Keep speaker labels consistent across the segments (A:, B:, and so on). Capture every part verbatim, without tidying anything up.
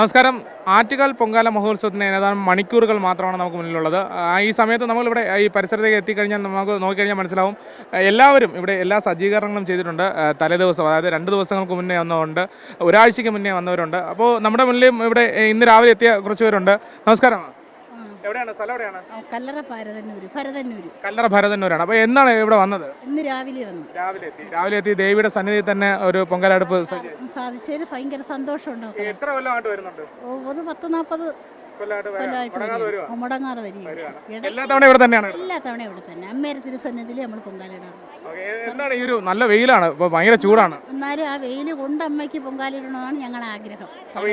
A: നമസ്കാരം. ആറ്റുകാൽ പൊങ്കാല മഹോത്സവത്തിന് ഏതാനും മണിക്കൂറുകൾ മാത്രമാണ് നമുക്ക് മുന്നിലുള്ളത്. ഈ സമയത്ത് നമ്മളിവിടെ ഈ പരിസരത്തേക്ക് എത്തിക്കഴിഞ്ഞാൽ നമുക്ക് നോക്കിക്കഴിഞ്ഞാൽ മനസ്സിലാവും എല്ലാവരും ഇവിടെ എല്ലാ സജ്ജീകരണങ്ങളും ചെയ്തിട്ടുണ്ട്. തലേദിവസം, അതായത് രണ്ട് ദിവസങ്ങൾക്ക് മുന്നേ വന്നവരുണ്ട്, ഒരാഴ്ചയ്ക്ക് മുന്നേ വന്നവരുണ്ട്. അപ്പോൾ നമ്മുടെ മുന്നിലും ഇവിടെ ഇന്ന് രാവിലെ എത്തിയ കുറച്ച് പേരുണ്ട്. നമസ്കാരം. എവിടെയാണ് സ്ഥലം? എവിടെയാണ്?
B: കല്ലറ ഭരതന്നൂര്. ഭരതന്നൂര്
A: കല്ലറ ഭരതന്നൂരാണ്. അപ്പോൾ എന്നാണ് ഇവിടെ വന്നത്?
B: ഇന്ന് രാവിലെ വന്നു.
A: രാവിലെ എത്തി രാവിലെ എത്തി ദേവിയുടെ സന്നിധിയിൽ തന്നെ ഒരു പൊങ്കാലടുപ്പ്
B: സാധിച്ചതിൽ ഭയങ്കര സന്തോഷമുണ്ട്.
A: എത്ര കൊല്ലമായിട്ട് വരുന്നുണ്ട്?
B: ഒരു പത്ത് നാൽപ്പത് മുടങ്ങാതെ വരിക.
A: എല്ലാ തവണ ഇവിടെ തന്നെയാണ്?
B: എല്ലാ തവണ ഇവിടെ തന്നെ അമ്മേരെ തിരുസന്നിധിയിൽ നമ്മൾ പൊങ്കാലിടാണ്.
A: എന്താണ് ഈ ഒരു നല്ല വെയിലാണ്, ഇപ്പൊ ഭയങ്കര ചൂടാണ്.
B: എന്നാലും ആ വെയിൽ കൊണ്ട് അമ്മയ്ക്ക് പൊങ്കാലിടണമെന്നാണ് ഞങ്ങളെ ആഗ്രഹം.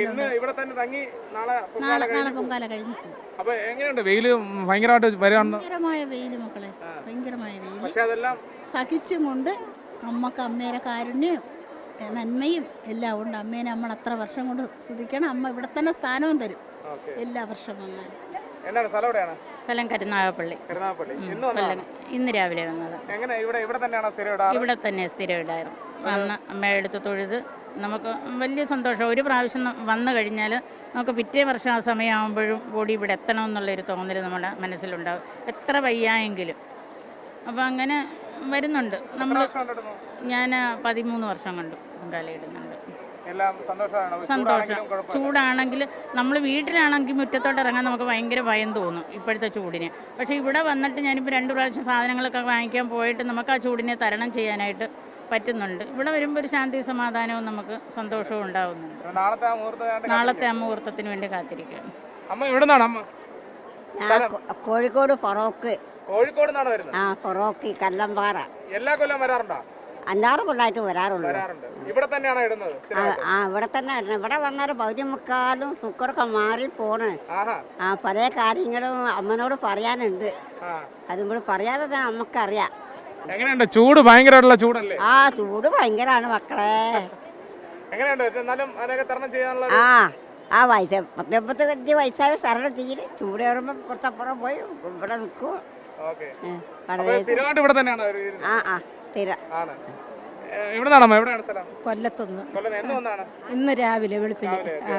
B: നാളെ നാളെ പൊങ്കാല കഴിഞ്ഞു.
A: അപ്പൊ എങ്ങനെയുണ്ട് വെയില്? ഭയങ്കരമായിട്ട് വരാണ്.
B: ഭയങ്കരമായ വെയില് മക്കളെ, ഭയങ്കരമായ വെയില് സഹിച്ചും കൊണ്ട് അമ്മക്ക് അമ്മേരെ കാരുണ്യം നന്മയും എല്ലാം ഉണ്ട്. അമ്മേനെ നമ്മൾ അത്ര വർഷം കൊണ്ട് സ്തുതിക്കണം. അമ്മ ഇവിടെ തന്നെ സ്ഥാനവും തരും എല്ലാ വർഷം വന്നാലും.
C: സ്ഥലം കരുനാഗപ്പള്ളി. ഇന്ന് രാവിലെ വന്നത്. ഇവിടെ തന്നെ സ്ഥിരം ഇടായിരുന്നു. വന്ന് അമ്മയുടെ അടുത്ത് തൊഴുത് നമുക്ക് വലിയ സന്തോഷം. ഒരു പ്രാവശ്യം വന്നു കഴിഞ്ഞാൽ നമുക്ക് പിറ്റേ വർഷം ആ സമയമാകുമ്പോഴും കൂടി ഇവിടെ എത്തണമെന്നുള്ളൊരു തോന്നൽ നമ്മുടെ മനസ്സിലുണ്ടാകും, എത്ര വയ്യായെങ്കിലും. അപ്പോൾ അങ്ങനെ വരുന്നുണ്ട് നമ്മൾ. ഞാൻ പതിമൂന്ന് വർഷം കണ്ടു പൊങ്കാലയിടുന്നുണ്ട്. സന്തോഷം. ചൂടാണെങ്കിൽ നമ്മൾ വീട്ടിലാണെങ്കിൽ മുറ്റത്തോട്ട് ഇറങ്ങാൻ നമുക്ക് ഭയങ്കര ഭയം തോന്നും ഇപ്പോഴത്തെ ചൂടിന്. പക്ഷേ ഇവിടെ വന്നിട്ട് ഞാനിപ്പോൾ രണ്ട് പ്രാവശ്യം സാധനങ്ങളൊക്കെ വാങ്ങിക്കാൻ പോയിട്ട് നമുക്ക് ആ ചൂടിനെ തരണം ചെയ്യാനായിട്ട് പറ്റുന്നുണ്ട്. ഇവിടെ വരുമ്പോൾ ഒരു ശാന്തി സമാധാനവും നമുക്ക് സന്തോഷവും ഉണ്ടാവുന്നുണ്ട്. നാളത്തെ ആ മുഹൂർത്തത്തിന് വേണ്ടി കാത്തിരിക്കുകയാണ്.
D: കോഴിക്കോട് ഫറോക്ക്.
A: കോഴിക്കോട്
D: ആ ഫറോക്ക് കല്ലമ്പാറ.
A: എല്ലാ കൊല്ലം വരാറുണ്ടോ?
D: അഞ്ചാറ് കൊല്ലമായിട്ട് വരാറുള്ളൂ.
A: ഇവിടെ തന്നെയാണോ ഇടുന്നത്?
D: ആ ഇവിടെ തന്നെ ഇടുന്നത്. ഇവിടെ വന്നാൽ പകുതി മുക്കാലും സുക്കറൊക്കെ മാറി പോണ്. ആ പല കാര്യങ്ങളും അമ്മനോട് പറയാനുണ്ട്. അതുമ്പോൾ പറയാതെ തന്നെ നമുക്കറിയാം.
A: എങ്ങനെയുണ്ട് ചൂട്? ഭയങ്കരമായിട്ടുള്ള ചൂടല്ലേ?
D: ആ ചൂട് ഭയങ്കരമാണ് മക്കളെ. ആ ആ വയസ്സ് പത്ത് മുപ്പത്തഞ്ച് വയസ്സായ സ്ഥലം തീരെ ചൂട് കയറുമ്പോൾ കുറച്ചപ്പുറം പോയി ഇവിടെ നിൽക്കും. ആ ആ സ്ഥിരം.
B: കൊല്ലത്തുനിന്ന് ഇന്ന് രാവിലെ വെളുപ്പിന്.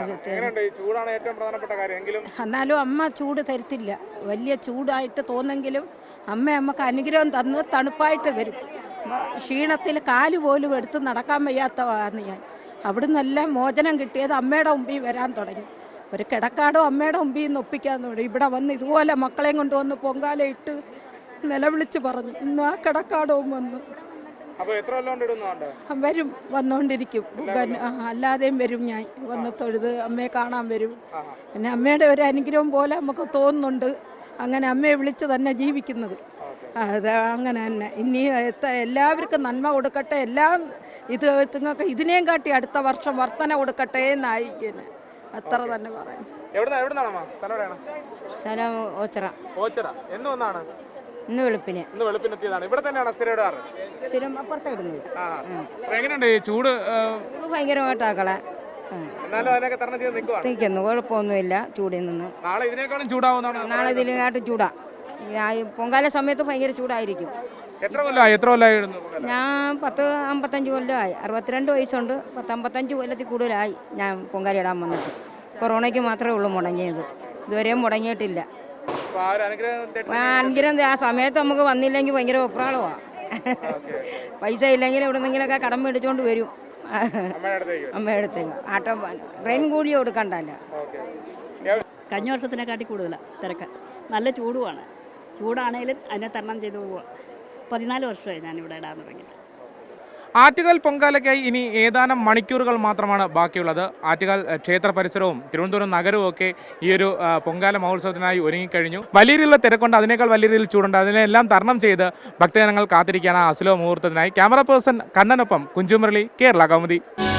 B: എന്നാലും അമ്മ ചൂട് തരത്തില്ല. വലിയ ചൂടായിട്ട് തോന്നെങ്കിലും അമ്മ നമുക്ക് അനുഗ്രഹം തന്ന് തണുപ്പായിട്ട് വരും. ക്ഷീണത്തിൽ കാല് പോലും എടുത്ത് നടക്കാൻ വയ്യാത്തതാണ് ഞാൻ. അവിടുന്നെല്ലാം മോചനം കിട്ടിയത് അമ്മയുടെ മുമ്പിൽ വരാൻ തുടങ്ങി. ഒരു കിടക്കാടോ അമ്മയുടെ മുമ്പിൽ നിന്ന് ഒപ്പിക്കാൻ തുടങ്ങി. ഇവിടെ വന്ന് ഇതുപോലെ മക്കളെയും കൊണ്ടുവന്ന് പൊങ്കാല ഇട്ട് നിലവിളിച്ച് പറഞ്ഞു. ഇന്ന് ആ കിടക്കാടവും വന്നു വരും, വന്നുകൊണ്ടിരിക്കും. അല്ലാതെയും വരും. ഞാൻ വന്ന് തൊഴുത് അമ്മയെ കാണാൻ വരും. പിന്നെ അമ്മയുടെ ഒരു അനുഗ്രഹം പോലെ നമുക്ക് തോന്നുന്നുണ്ട്. അങ്ങനെ അമ്മയെ വിളിച്ച് തന്നെ ജീവിക്കുന്നത്. അത് അങ്ങനെ തന്നെ. ഇനി എല്ലാവർക്കും നന്മ കൊടുക്കട്ടെ. എല്ലാം ഇത് നിങ്ങൾക്ക് ഇതിനെയും കാട്ടി അടുത്ത വർഷം വർധന കൊടുക്കട്ടെ എന്നായിരിക്കും. അത്ര തന്നെ പറയാം.
D: സ്ഥലം ഓച്ചിറ. ഇന്ന് വെളുപ്പിന്. സ്ഥിരം അപ്പുറത്തെ ഇടുന്നത്.
A: ചൂട്
D: ഭയങ്കരമായിട്ടാക്കളെ നിൽക്കുന്നു. കുഴപ്പമൊന്നുമില്ല ചൂടിൽ നിന്ന്. നാളെ ഇതിനെക്കാട്ടും ചൂടാ. പൊങ്കാല സമയത്ത് ഭയങ്കര ചൂടായിരിക്കും. ഞാൻ പത്ത് അമ്പത്തഞ്ച് കൊല്ലമായി. അറുപത്തിരണ്ട് വയസ്സുണ്ട്. പത്ത് അമ്പത്തഞ്ച് കൊല്ലത്തിൽ കൂടുതലായി ഞാൻ പൊങ്കാല ഇടാൻ വന്നിട്ട്. കൊറോണയ്ക്ക് മാത്രമേ ഉള്ളൂ മുടങ്ങിയത്. ഇതുവരെയും മുടങ്ങിയിട്ടില്ല. അനുഗ്രഹം ആ സമയത്ത് നമുക്ക് വന്നില്ലെങ്കിൽ ഭയങ്കര ഒപ്രാളമാണ്. പൈസ ഇല്ലെങ്കിൽ എവിടെ നിന്നെങ്കിലൊക്കെ കടം മേടിച്ചുകൊണ്ട് വരും അമ്മയുടെ അടുത്തേക്ക്. ആട്ടോ ട്രെയിൻ കൂലി കൊടുക്കണ്ടല്ലോ.
E: കഴിഞ്ഞ വർഷത്തിനെക്കാട്ടി കൂടുതലാണ് തിരക്ക്. നല്ല ചൂടുമാണ്. ചൂടാണെങ്കിലും അതിനെ തരണം ചെയ്ത് പോവുക. പതിനാല് വർഷമായി ഞാനിവിടെ ഇടാൻ തുടങ്ങിയിട്ട്.
A: ആറ്റുകാൽ പൊങ്കാലയ്ക്കായി ഇനി ഏതാനും മണിക്കൂറുകൾ മാത്രമാണ് ബാക്കിയുള്ളത്. ആറ്റുകാൽ ക്ഷേത്ര പരിസരവും തിരുവനന്തപുരം നഗരവും ഒക്കെ ഈ ഒരു പൊങ്കാല മഹോത്സവത്തിനായി ഒരുങ്ങിക്കഴിഞ്ഞു. വലിയ രീതിയിലുള്ള തിരക്കുണ്ട്, അതിനേക്കാൾ വലിയ രീതിയിൽ ചൂടുണ്ട്. അതിനെല്ലാം തരണം ചെയ്ത് ഭക്തജനങ്ങൾ കാത്തിരിക്കുകയാണ് അസുലഭ മുഹൂർത്തത്തിനായി. ക്യാമറ പേഴ്സൺ കണ്ണനൊപ്പം കുഞ്ചുമുരളി, കേരള കൗമുദി.